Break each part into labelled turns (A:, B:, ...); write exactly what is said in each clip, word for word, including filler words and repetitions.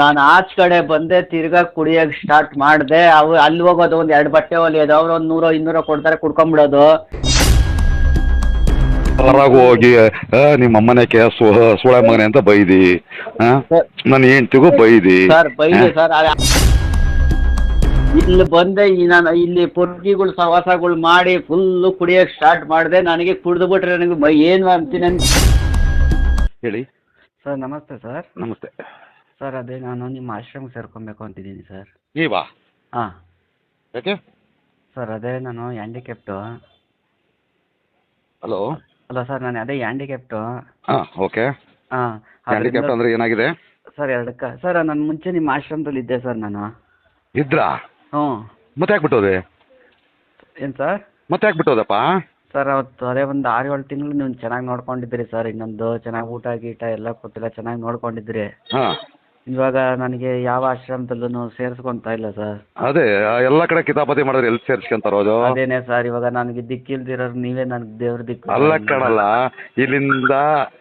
A: ನಾನು ಆಚ ಕಡೆ ಬಂದೆ, ತಿರ್ಗಾ ಕುಡಿಯಕ್ ಸ್ಟಾರ್ಟ್ ಮಾಡಿದೆ. ಅವು ಅಲ್ಲಿ ಹೋಗೋದು ಒಂದ್ ಎರಡು ಬಟ್ಟೆ ಹೊಲಿಯೋದು, ಅವ್ರು ಒಂದ್ ನೂರೋ ಇನ್ನೂರೋ ಕೊಡ್ತಾರೆ, ಕುಡ್ಕೊಂಡ್ಬಿಡೋದು.
B: ಹೊರಗೆ ಹೋಗಿ ನಿಮ್ಮ ಅಮ್ಮನಕ್ಕೆ ಸೋಳೆ ಮಗನೆ ಅಂತ ಬೈದಿ, ನನ್ನ ಹೆಂಡ್ತಿಗೂ ಬೈದಿ
A: ಸರ್ ಬೈದೆ ಸರ್. ಇಲ್ಲಿ ಬಂದೆ, ನಾನು ಇಲ್ಲಿ ಪೊರ್ಗಿಗಳು ಸವಾಸಗಳು ಮಾಡಿ ಫುಲ್ಲು ಕುಡಿಯಕ್ ಸ್ಟಾರ್ಟ್ ಮಾಡಿದೆ. ನನಗೆ ಕುಡಿದು ಬಿಟ್ರೆ ನನಗೆ ಮೈ ಏನು ಅಂತೀನಿ ಅಂತ.
B: ಹೇಳಿ
A: ಸರ್ ನಮಸ್ತೆ ಸರ್.
B: ನಮಸ್ತೆ
A: ಸರ್ ಅದೇ ನಾನು ನಿಮ್ಮ ಆಶ್ರಮಕ್ಕೆ ಸೇರ್ಕೊಬೇಕು ಅಂತಿದ್ದೀನಿ ಸರ್.
B: ನೀವಾ?
A: ಹಾಂ.
B: ಯಾಕೆ
A: ಸರ್ ಅದೇ ನಾನು ಹ್ಯಾಂಡಿಕ್ಯಾಪ್ಟು.
B: ಹಲೋ.
A: ಅಲ್ಲ ಸರ್ ನಾನು ಅದೇ ಹ್ಯಾಂಡಿಕ್ಯಾಪ್ಟು.
B: ಹಾಂ ಓಕೆ.
A: ಹಾಂ.
B: ಹ್ಯಾಂಡಿಕ್ಯಾಪ್ಟ್ ಅಂದರೆ ಏನಾಗಿದೆ
A: ಸರ್ ಎರಡಕ್ಕ ಸರ್, ನಾನು ಮುಂಚೆ ನಿಮ್ಮ ಆಶ್ರಮದಲ್ಲಿ ಇದ್ದೆ ಸರ್ ನಾನು.
B: ಇದ್ರಾ?
A: ಹ್ಞೂ.
B: ಮತ್ತೆ ಯಾಕೆ
A: ಏನು ಸರ್?
B: ಮತ್ತೆ ಯಾಕೆ ಬಿಟ್ಟೋದಪ್ಪ?
A: ಸರ್ ಅವತ್ತು ಅದೇ ಒಂದು ಆರು ಏಳು ತಿಂಗಳು ನೀವು ಚೆನ್ನಾಗಿ ನೋಡ್ಕೊಂಡಿದ್ರಿ ಸರ್. ಇನ್ನೊಂದು ಚೆನ್ನಾಗಿ ಊಟ ಗೀಟ ಎಲ್ಲ ಕೊಟ್ಟಿಲ್ಲ, ಚೆನ್ನಾಗಿ ನೋಡ್ಕೊಂಡಿದ್ರಿ.
B: ಹಾಂ.
A: ಇವಾಗ ನನಗೆ ಯಾವ ಆಶ್ರಮದಲ್ಲೂ ಸೇರಿಸ್ಕೊಂತ ಇಲ್ಲ ಸರ್.
B: ಅದೇ ಎಲ್ಲ ಕಡೆ ಕಿತಾಪತಿ ಮಾಡಿದ್ರೆ ಎಲ್ಲಿ ಸೇರಿಸ್ಕೊಂತಾರೋದು?
A: ಅದೇನೆ ಸರ್, ಇವಾಗ ನನಗೆ ದಿಕ್ಕಿಲ್ದಿರೋರು ನೀವೇ ನನಗೆ ದೇವ್ರ ದಿಕ್ಕು.
B: ಅಲ್ಲ ಕಣಲ್ಲ, ಇಲ್ಲಿಂದ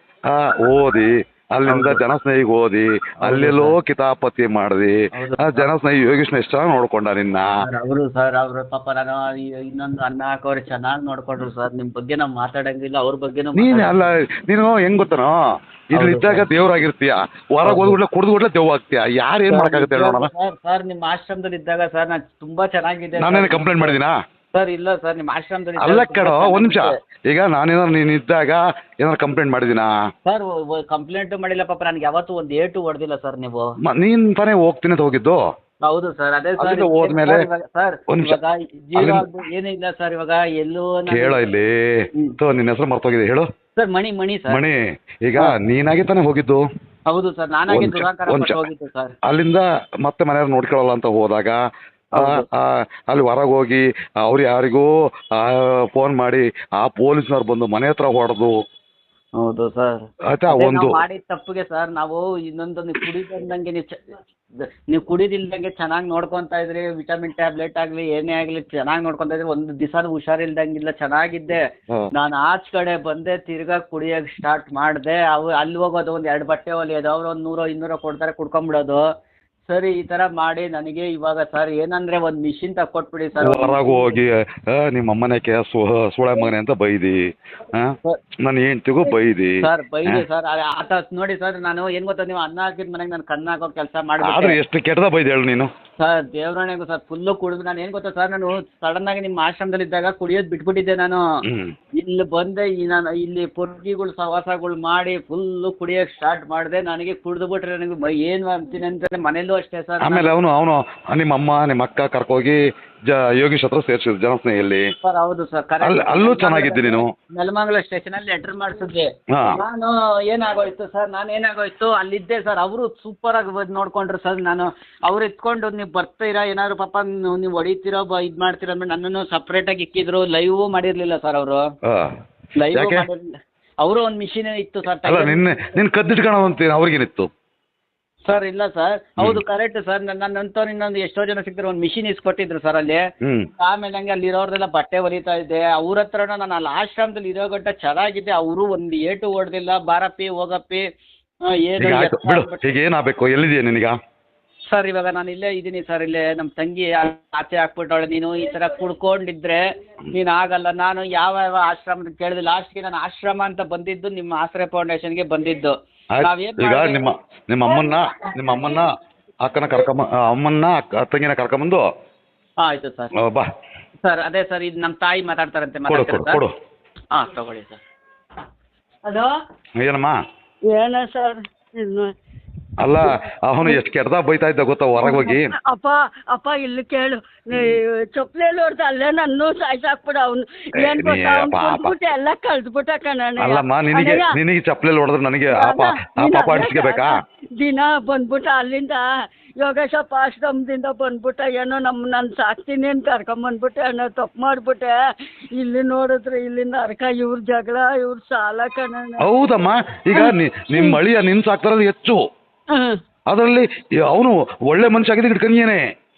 B: ಓದಿ ಅಲ್ಲಿಂದ ಜನಸ್ನೇಹಿಗೆ ಓದಿ ಅಲ್ಲೆಲ್ಲೋ ಕಿತಾಪತಿ ಮಾಡ್ದಿ, ಜನಸ್ನೇಹಿ ಯೋಗೇಶ್ನ ಎಷ್ಟು ಚೆನ್ನಾಗಿ ನೋಡ್ಕೊಂಡ ನಿನ್ನ.
A: ಅವರು ಸರ್ ಅವ್ರ ಪಾಪ ನಾನು ಇನ್ನೊಂದು ಅನ್ನ ಹಾಕೋರು ಚೆನ್ನಾಗಿ ನೋಡ್ಕೊಂಡ್ರು ಸರ್. ನಿಮ್ ಬಗ್ಗೆ ನಾವು ಮಾತಾಡಂಗಿಲ್ಲ, ಅವ್ರ ಬಗ್ಗೆ
B: ನೀನ್ ಅಲ್ಲ, ನೀನು ಹೆಂಗ್ ಗೊತ್ತನೋ, ಇಲ್ಲಿ ಇದ್ದಾಗ ದೇವ್ರಾಗಿರ್ತೀಯ, ಹೊರಗೆ ಹೋದ್ಬಿಡ್ಲೆ ಕುಡ್ದು ಬಿಡ್ಲೆ ದೇವ್ ಆಗ್ತೀಯ. ಯಾರು ಏನ್ ಮಾಡಕ್ಕಾಗುತ್ತೆ ನೋಡೋಣ.
A: ಸರ್ ನಿಮ್ಮ ಆಶ್ರಮದಲ್ಲಿ ಇದ್ದಾಗ ಸರ್ ನಾನು ತುಂಬಾ ಚೆನ್ನಾಗಿದೆ.
B: ನಾನೇನು ಕಂಪ್ಲೇಂಟ್ ಮಾಡಿದೀನಾ?
A: ಸರ್ ಇಲ್ಲ ಸರ್, ನಿಮ್ಮ ಆಶ್ರಮದಲ್ಲಿ
B: ಅಲ್ಲ ಕಣೋ, ಒಂದ್ ನಿಮಿಷ. ಈಗ ನಾನೇನಾದ್ರು ನೀನು ಇದ್ದಾಗ ಏನಾದ್ರು ಕಂಪ್ಲೇಂಟ್ ಮಾಡಿದಿನಾ?
A: ಸರ್ ಕಂಪ್ಲೇಂಟ್ ಮಾಡಿಲ್ಲ ಪಾಪ, ನನಗೆ ಯಾವತ್ತೂ ಒಂದು ಏಟು ಹೊಡೆದಿಲ್ಲ ಸರ್ ನೀವು.
B: ನೀನ್ ತಾನೇ ಹೋಗ್ತೀನಿ ಅಂತ ಹೋಗಿದ್ದು?
A: ಹೌದು ಸರ್. ಅದೇ ಸರ್
B: ಹೋದ್ಮೇಲೆ
A: ಸರ್ ಇವಾಗ ಜೀವ ಏನಿಲ್ಲ ಸರ್. ಇವಾಗ ಎಲ್ಲೂ
B: ಕೇಳ ಇಲ್ಲಿ, ನಿನ್ನ ಹೆಸರು ಮರ್ತೋಗಿದೆ, ಹೇಳು.
A: ಸರ್ ಮಣಿ. ಮಣಿ ಸರ್.
B: ಮಣಿ. ಈಗ ನೀನಾಗಿ ತಾನೇ ಹೋಗಿದ್ದು?
A: ಹೌದು ಸರ್, ನಾನಾಗಿ ದುರಾಂಕಾರ ಹೋಗಿದ್ದು ಸರ್.
B: ಅಲ್ಲಿಂದ ಮತ್ತೆ ಮನೆಯವ್ರು ನೋಡ್ಕೊಳ್ಳಲ್ಲ ಅಂತ ಹೋದಾಗ ಅಲ್ಲಿ ಹೊರಗೆ ಹೋಗಿ ಅವ್ರು ಯಾರಿಗೂ ಫೋನ್ ಮಾಡಿ ಆ ಪೊಲೀಸ್ನವ್ರು ಬಂದು ಮನೆ ಹತ್ರ ಹೊಡೆದು.
A: ಹೌದು ಸರ್.
B: ಆಯ್ತಾ? ಒಂದು
A: ಮಾಡಿದ ತಪ್ಪಿಗೆ ಸರ್ ನಾವು ಇನ್ನೊಂದು ನೀವು ಕುಡಿದಂಗೆ ನೀವು ನೀವು ಕುಡಿದಿಲ್ದಂಗೆ ಚೆನ್ನಾಗಿ ನೋಡ್ಕೊಂತ ಇದ್ರಿ. ವಿಟಮಿನ್ ಟ್ಯಾಬ್ಲೆಟ್ ಆಗಲಿ ಏನೇ ಆಗಲಿ ಚೆನ್ನಾಗಿ ನೋಡ್ಕೊಂತ ಇದ್ರಿ. ಒಂದು ದಿವಸ ಹುಷಾರಿಲ್ದಂಗಿಲ್ಲ, ಚೆನ್ನಾಗಿದ್ದೆ. ನಾನು ಆಚ ಕಡೆ ಬಂದೆ, ತಿರ್ಗಾ ಕುಡಿಯಕ್ ಸ್ಟಾರ್ಟ್ ಮಾಡಿದೆ. ಅವು ಅಲ್ಲಿ ಹೋಗೋದು ಒಂದ್ ಎರಡು ಬಟ್ಟೆ ಹೊಲಿಯೋದು, ಅವ್ರು ಒಂದ್ ನೂರೋ ಇನ್ನೂರೋ ಕೊಡ್ತಾರೆ, ಕುಡ್ಕೊಂಡ್ಬಿಡೋದು. ಸರಿ ಈ ತರ ಮಾಡಿ ನನಗೆ ಇವಾಗ ಸರ್ ಏನಂದ್ರೆ ಒಂದ್ ಮಿಷಿನ್ ತಕ್ಕೊಟ್ಬಿಡಿ ಸರ್.
B: ಹೊರಗೆ ಹೋಗಿ ನಿಮ್ಮ ಅಮ್ಮನಕ್ಕೆ ಸೋಳೆ ಮಗನೆ ಅಂತ ಬೈದಿ, ನನ್ನ ಹೆಂಡ್ತಿಗೂ ಬೈದಿ.
A: Sir ಬೈದಿ sir. ಆತ ನೋಡಿ ಸರ್, ನಾನು ಏನ್ ಗೊತ್ತಾ, ನೀವು ಅನ್ನ ಹಾಕಿದ ಮನೆಗೆ ನಾನು ಕನ್ನ ಹಾಕೋ ಕೆಲಸ ಮಾಡಿ.
B: ಆದ್ರೆ ಎಷ್ಟು ಕೆಟ್ಟದ ಬೈದಿ ಹೇಳು ನೀನು.
A: ಸರ್ ದೇವ್ರಣೆಗೂ ಸರ್ ಫುಲ್ಲು ಕುಡಿದು ನಾನು ಏನ್ ಗೊತ್ತಾ ಸರ್, ನಾನು ಸಡನ್ ಆಗಿ ನಿಮ್ಮ ಆಶ್ರಮದಲ್ಲಿ ಇದ್ದಾಗ ಕುಡಿಯೋದು ಬಿಟ್ಬಿಟ್ಟಿದ್ದೆ ನಾನು. ಇಲ್ಲಿ ಬಂದೆ, ನಾನು ಇಲ್ಲಿ ಪೊರ್ಗಿಗಳು ಸವಾಸಗಳು ಮಾಡಿ ಫುಲ್ಲು ಕುಡಿಯೋಕೆ ಸ್ಟಾರ್ಟ್ ಮಾಡಿದೆ. ನನಗೆ ಕುಡಿದು ಬಿಟ್ರೆ ನನಗೆ ಮೈ ಏನು ಅಂತೀನಿ ಅಂತ ಮನೇಲೂ ಅಷ್ಟೇ ಸರ್.
B: ಆಮೇಲೆ ಅವನು ಅವನು ನಿಮ್ಮ ಅಮ್ಮ ನಿಮ್ಮ ಅಕ್ಕ ಕರ್ಕೋಗಿ ಜ ಯೋಗೀಶ್ ಹತ್ರ ಸೇರಿಸಿದ್ರು ಜನಸ್ನೇಹಿಯಲ್ಲಿ.
A: ಸರ್ ಹೌದು ಸರ್,
B: ಅಲ್ಲೂ ಚೆನ್ನಾಗಿದ್ದೆ ನೀನು.
A: ನೆಲಮಂಗಲ ಸ್ಟೇಷನ್ ಅಲ್ಲಿ ಲೆಟರ್ ಮಾಡಿಸಿದ್ವಿ. ನಾನು ಏನಾಗೋಯ್ತು ಸರ್, ನಾನು ಏನಾಗೋಯ್ತು ಅಲ್ಲಿದ್ದೆ ಸರ್. ಅವರು ಸೂಪರ್ ಆಗಿ ನೋಡ್ಕೊಂಡ್ರು ಸರ್. ನಾನು ಅವ್ರು ಎತ್ಕೊಂಡು ನೀವು ಬರ್ತೀರಾ ಏನಾದ್ರು ಪಾಪ ನೀವು ಹೊಡಿತೀರೋ ಇದು ಮಾಡ್ತೀರಾ ಅಂದ್ರೆ ನನ್ನನ್ನು ಸಪ್ರೇಟ್ ಆಗಿ ಇಕ್ಕಿದ್ರು. ಲೈವ್ ಮಾಡಿರ್ಲಿಲ್ಲ ಸರ್ ಅವರು. ಲೈವ್ ಮಾಡಿರ್ಲಿಲ್ಲ ಅವರು. ಒಂದು ಮಿಷಿನ್ ಇತ್ತು ಸರ್.
B: ನಿನ್ನೆ ನಿನ್ ಕದ್ದಿಟ್ಕೊಳ್ಳೋದಂತ ಅವ್ರಿಗೇನಿತ್ತು
A: ಸರ್? ಇಲ್ಲ ಸರ್, ಹೌದು ಕರೆಕ್ಟ್ ಸರ್. ನನ್ನ ನಂತರ ಇನ್ನೊಂದು ಎಷ್ಟೋ ಜನ ಸಿಗ್ತಾರೆ, ಒಂದು ಮಿಷಿನ್ ಇಸ್ಕೊಟ್ಟಿದ್ರು ಸರ್ ಅಲ್ಲಿ. ಆಮೇಲೆ ಹಂಗೆ ಅಲ್ಲಿ ಇರೋರ್ದೆಲ್ಲ ಬಟ್ಟೆ ಹೊಲಿತಾ ಇದ್ದೆ. ಅವ್ರ ಹತ್ರನ ನಾನು ಅಲ್ಲಿ ಆಶ್ರಮದಲ್ಲಿ ಇರೋ ಗಂಟ ಚೆನ್ನಾಗಿದ್ದೆ. ಅವರು ಒಂದು ಏಟು ಹೊಡೆದಿಲ್ಲ. ಬಾರಪ್ಪಿ ಹೋಗಪ್ಪಿ ಏನು
B: ಏನಾಗಬೇಕು. ಎಲ್ಲಿದೆಯಾ ನಿನಗ?
A: ಸರ್ ಇವಾಗ ನಾನು ಇಲ್ಲೇ ಇದ್ದೀನಿ ಸರ್. ಇಲ್ಲೇ ನಮ್ಮ ತಂಗಿ ಆಚೆ ಹಾಕ್ಬಿಟ್ಟವಳೆ. ನೀನು ಈ ಥರ ಕುಡ್ಕೊಂಡಿದ್ರೆ ನೀನು ಆಗಲ್ಲ. ನಾನು ಯಾವ ಯಾವ ಆಶ್ರಮ ಕೇಳಿದೆ. ಲಾಸ್ಟ್ಗೆ ನಾನು ಆಶ್ರಮ ಅಂತ ಬಂದಿದ್ದು ನಿಮ್ಮ ಆಶ್ರಯ ಫೌಂಡೇಶನ್ಗೆ ಬಂದಿದ್ದು.
B: ಈಗ ನಿಮ್ಮ ನಿಮ್ಮ ಅಮ್ಮನ್ನ ನಿಮ್ಮ ಅಮ್ಮನ್ನ ಅಕ್ಕನ ಕರ್ಕೊಂಬ ಅಮ್ಮನ್ನ ತಂಗಿನ ಕರ್ಕೊಂಬಂದು.
A: ಆಯ್ತು ಸರ್.
B: ಬಾ
A: ಸರ್. ಅದೇ ಸರ್, ಇದು ನಮ್ಮ ತಾಯಿ ಮಾತಾಡ್ತಾರಂತೆ.
B: ಕೊಡು.
A: ಹಾಂ ತಗೊಳ್ಳಿ ಸರ್. ಹಲೋ
B: ಏನಮ್ಮ?
C: ಏನ ಸರ್ ಇನ್ನು
B: ಅಲ್ಲ, ಅವನು ಎಷ್ಟು ಕೆಟ್ಟದ ಬೈತಾ ಇದ್ದ ಗೊತ್ತಾ ಹೊರಗೆ ಹೋಗಿ.
C: ಅಪ್ಪ ಅಪ್ಪ ಇಲ್ಲಿ ಕೇಳು, ಚೊಪ್ಲೇಲಿ ಹೊಡ್ದ ಅಲ್ಲೇ ನನ್ನ ಸಾಯ್ಸಾಕ್ಬಿಡ. ಅವ್ನು ಏನ್ ಗೊತ್ತಾ, ಅವ್ನು ಎಲ್ಲ ಕಳ್ದ್ಬಿಟ್ಟ ಕಣ.
B: ಅಲ್ಲಮ್ಮ, ನಿನಗೆ ನಿನಗೆ ಚಪ್ಲೇಲಿ ಹೊಡೆದ್ರೆ ನನಗೆ ಪಾಪ ಅಡಿಸ್ಕೋಬೇಕಾ?
C: ದಿನ ಬಂದ್ಬಿಟ್ಟ ಅಲ್ಲಿಂದ ಯೋಗೇಶಪ್ಪ ಆಶ್ರಮದಿಂದ ಬಂದ್ಬಿಟ್ಟ. ಏನೋ ನಮ್ಮ ನಾನು ಸಾಕ್ತೀನಿ ಅಂತ ಕರ್ಕೊಂಬಂದ್ಬಿಟ್ಟೆ ಅನ್ನೋ ತಪ್ಪು ಮಾಡ್ಬಿಟ್ಟೆ. ಇಲ್ಲಿ ನೋಡಿದ್ರೆ ಇಲ್ಲಿ ನರಕ, ಇವ್ರ ಜಗಳ, ಇವ್ರ ಸಾಲ ಕಣ.
B: ಹೌದಮ್ಮ, ಈಗ ನಿಮ್ಮ ಅಳಿಯ ನಿನ್ ಸಾಕ್ತಾರ ಹೆಚ್ಚು. ಅದರಲ್ಲಿ ಅವನು ಒಳ್ಳೆ ಮನುಷ್ಯ ಆಗಿದ್ದು ಇಟ್ಕೊಂಡೇನೆ.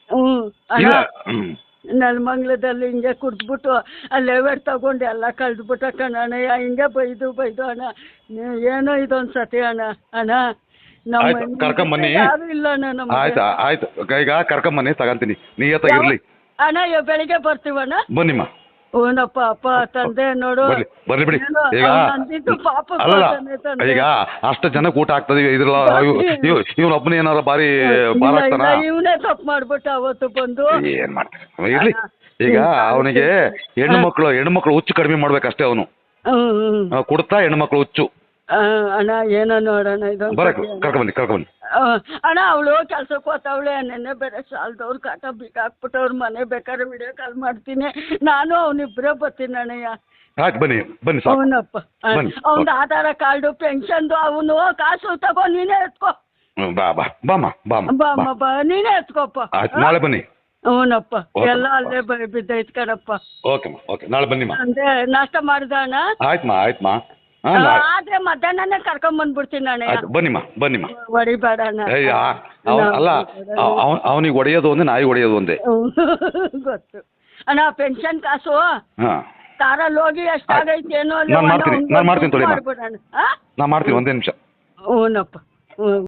C: ಹ್ಮ್ ನೆಲಮಂಗ್ಲದಲ್ಲಿ ಹಿಂಗೆ ಕುಡ್ದ್ಬಿಟ್ಟು ಅಲ್ಲೇ ವೇಟ್ ತಗೊಂಡು ಎಲ್ಲ ಕಳ್ದ್ಬಿಟ್ಟ ಕಣ. ಹಿಂಗೆ ಬೈದು ಬೈದು ಅಣ್ಣ. ಏನೋ ಇದೊಂದು ಸತಿ ಅಣ್ಣ. ಅಣ್ಣ ನಮ್ಮ
B: ಆಯ್ತು,
C: ಹೆಣ್ಮಕ್ಳು
B: ಕರ್ಕೊಂಬನ್ನಿ.
C: ಯಾರು ಇಲ್ಲ ಅಣ್ಣ ನಮ್ಗೆ.
B: ಆಯ್ತು ಆಯ್ತು ಈಗ ಕರ್ಕೊಂಬನ್ನಿ ತಗಂತೀನಿ ನಿಯತ್ತಾಗಿರ್ಲಿ.
C: ಅಣ್ಣ ಇವಾಗ ಬೆಳಿಗ್ಗೆ ಬರ್ತೀವಣ್ಣ.
B: ಬನ್ನಿಮ್ಮ
C: ಓನಪ್ಪ ಅಪ್ಪ ತಂದೆ ನೋಡು
B: ಬರ್ಲಿ ಬರ್ಲಿ ಬಿಡಿ.
C: ಏನೋ
B: ಈಗ
C: ಅವ್ನ್ ಅಂದಿದ್ದು ಪಾಪ
B: ಅಲ್ಲಲ್ಲ
C: ಕೊಡ್ತಾನೆ ತಂದೆ.
B: ಈಗ ಅಷ್ಟು ಜನಕ್ಕೆ ಊಟ ಆಗ್ತದೆ ಇದ್ರಲ್ಲ ಇವ್ನ ಒಬ್ಬನೇ ಏನಾರ ಬಾರಿ
C: ಇಲ್ಲ,
B: ಬಾರ
C: ಇಲ್ಲ,
B: ಆಗ್ತಾನ
C: ಇವನೇ ತಪ್ಪು ಮಾಡ್ಬಿಟ್ಟ ಅವತ್ತು ಬಂದು.
B: ಏನ್ ಮಾಡ್ತಾರೆ ಇರ್ಲಿ. ಈಗ ಅವನಿಗೆ ಹೆಣ್ಣು ಮಕ್ಕಳು ಹೆಣ್ಣು ಮಕ್ಕಳು ಹುಚ್ಚು ಕಡಿಮೆ ಮಾಡ್ಬೇಕಷ್ಟೇ ಅವನು
C: ಹ್ಮ್ ಹ್ಮ್
B: ಕುಡ್ತಾ ಹೆಣ್ಣು ಮಕ್ಕಳು ಹುಚ್ಚು.
C: ಆ, ಅಣ್ಣ ಏನೋ ನೋಡೋಣ ಇದೊಂದು
B: ಬರಕ್ ಕರ್ಕೊಂಬನ್ನಿ ಕರ್ಕೊಂಬನ್ನಿ.
C: ಆ, ಅಣ್ಣ ಅವಳು ಕೆಲ್ಸಕ್ಕೆ ಹೋಗ್ತಾವಳೆ ನೆನ್ನೆ ಬೇರೆ ಸಾಲದವ್ರು ಕಾಟ ಬೀಗ ಹಾಕ್ಬಿಟ್ಟವ್ರ ಮನೆ ಬೇಕಾದ್ರೆ ವಿಡಿಯೋ ಕಾಲ್ ಮಾಡ್ತೀನಿ ನಾನು ಅವನಿಬ್ಬರೇ ಬರ್ತೀನಿ ಅಣ್ಣಯ್ಯ.
B: ಆಯ್ತು ಬನ್ನಿ ಬನ್ನಿ ಸಾಕು
C: ಅವನಪ್ಪ
B: ಬನ್ನಿ.
C: ಅವನ ಆಧಾರ ಕಾರ್ಡು ಪೆನ್ಷನ್ದು ಅವನು ಕಾಸು ತಗೋ ನೀನೇ ಎತ್ಕೋ.
B: ಹ್ಮ್, ಬಾ ಬಾ ಬಾಮ್ಮ ಬಾಮ್ಮ
C: ಬಾಮ್ಮ ಬಾ ನೀನೇ ಎತ್ಕೋಪ್ಪ.
B: ಆಯ್ತು ನಾಳೆ ಬನ್ನಿ.
C: ಅವನಪ್ಪ
B: ಓಕೆ.
C: ಎಲ್ಲ ಅಲ್ಲೇ ಬ- ಬಿದ್ದೈತ್ ಕಣಪ್ಪ.
B: ಓಕೆಮ್ಮ ಓಕೆ ನಾಳೆ ಬನ್ನಿಮ್ಮ.
C: ಅಂದ್ರೆ ನಾಷ್ಟ ಮಾಡ್ದ ಅಣ್ಣ.
B: ಆಯ್ತಮ್ಮ ಆಯ್ತಮ್ಮ ಹಾಂ
C: ಆ,
B: ನಾಳೆ
C: ಆದ್ರೆ ಮಧ್ಯಾಹ್ನನೇ ಕರ್ಕೊಂಡ್ ಬಂದ್ಬಿಡ್ತೀನಿ ಅಣ್ಣಯ್ಯ.
B: ಆಯ್ತು ಬನ್ನಿಮ್ಮ ಬನ್ನಿಮ್ಮ.
C: ಹೊಡಿಬೇಡ ಅಣ್ಣ.
B: ಅಯ್ಯ ಅವ ಅಲ್ಲ ಅವನಿಗೆ ಹೊಡೆಯೋದು ಒಂದೇ ನಾಯಿ ಹೊಡೆಯೋದು ಒಂದೇ.
C: ಗೊತ್ತು ಅಣ್ಣ ಪೆನ್ಷನ್ ಕಾಸು
B: ಹಾಂ
C: ಕಾರಲ್ಲಿ ಹೋಗಿ ಎಷ್ಟಾಗೈತೆ ಏನೋ
B: ನಾನ್ ಮಾಡ್ತೀನಿ, ನಾನ್ ಮಾಡ್ತೀನಿ ತೊಳಿ ಅಮ್ಮ.
C: ಮಾಡ್ಬಿಡೋಣ.
B: ನಾ ಮಾಡ್ತೀನಿ ಒಂದೇ ನಿಮಿಷ.
C: ಹ್ಞೂನಪ್ಪ ಹ್ಞೂ